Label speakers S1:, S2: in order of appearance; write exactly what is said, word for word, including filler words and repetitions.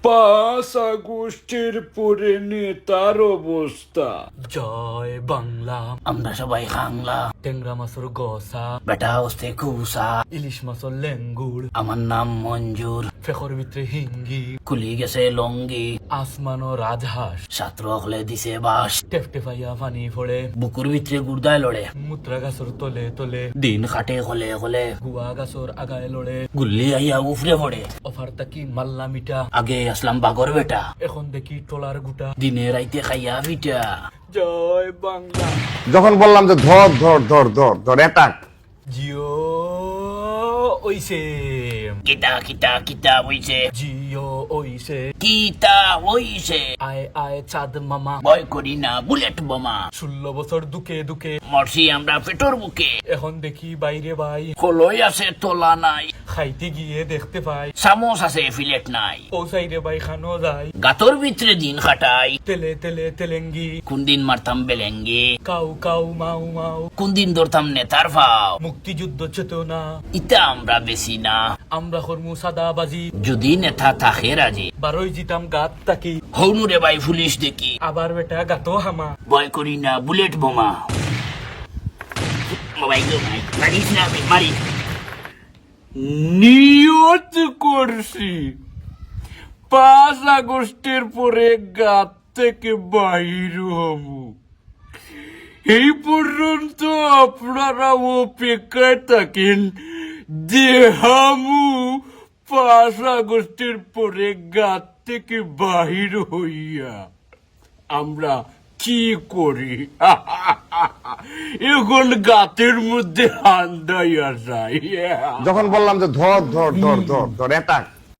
S1: পাঁচ আগস্টের পরে নেতার অবস্থা।
S2: জয় বাংলা,
S3: আমরা সবাই খাংলা,
S2: টেংরা মাছের গসা,
S3: বেটা হস্তে কুসা।
S2: ইলিশ মাছের লেঙ্গুড়,
S3: আমার নাম মঞ্জুর,
S2: ফেকর ভিতরে হিঙ্গি,
S3: খুলি গেছে লঙ্গি,
S2: আসমানো রাজহাঁস,
S3: ছাত্র হলে দিছে বাস,
S2: টেফটেফাইয়া পানি ফোড়ে,
S3: বুকুর ভিতরে গুর্দায় লড়ে,
S2: মুত্রা গাছর তলে তলে,
S3: দিন খাটে হলে হলে,
S2: গুয়া গাছর আগায় লড়ে,
S3: গুল্লি আইয়া উফরে পড়ে।
S2: অফার তাকি মাল্লা মিঠা,
S3: আগে আসলাম বাগর বেটা,
S2: এখন দেখি টলার গুটা।
S3: দিনে রাইতে খাইয়া পিঠা।
S2: জয় বাংলা।
S4: যখন বললাম যে ধর ধর ধর ধর ধর অ্যাটাক,
S2: জিও ওইসে,
S3: কিতা কিতা কিতা হইছে,
S2: জিও ওইসে,
S3: কিতা হইছে।
S2: আয় আয় চাঁদ মামা,
S3: ভয় করি না বুলেট বোমা,
S2: ষোলো বছর দুকে দুকে,
S3: মরছি আমরা পেটর বুকে।
S2: এখন দেখি বাইরে ভাই,
S3: কলই আছে তোলা নাই,
S2: খাইতে গিয়ে দেখতে পাই,
S3: চামচ আছে ফিলেট নাই,
S2: পৌঁছাইরে বাই খানো যায়,
S3: গাতর ভিতরে দিন খাটাই।
S2: তেলে তেলে তেলেঙ্গি,
S3: কোন দিন মারতাম বেলেঙ্গি,
S2: কাউ কাউ মাউ মাউ,
S3: কোন দিন ধরতাম নেতার ভাও।
S2: মুক্তিযুদ্ধ চেতনা,
S3: ইটা আমরা বেশি না,
S2: আমরা কর্মু সাদাবাজি,
S3: যদি নেতা থাকে রাজি।
S2: বারোই জিতাম গাত তাকি,
S3: হৌনুরে ভাই পুলিশ দেখি,
S2: আবার বেটা গাতো হামা।
S3: ভয় করি না বুলেট বোমা। মোবাইল দে ভাই, মারিস না আমি, মারি।
S1: নিয়ত করছি পাঁচ আগস্টের পরে গাত থেকে বাহির হব। এই পর্যন্ত আপনারা অপেক্ষায় থাকেন দেহামু পাঁচ আগস্টের পরে গাত থেকে বাহির হইয়া আমরা কি করি। এখন গাতের মধ্যে হান্দাইয়া যায়।
S4: যখন বললাম যে ধর ধর ধর ধর ধর অ্যাটাক,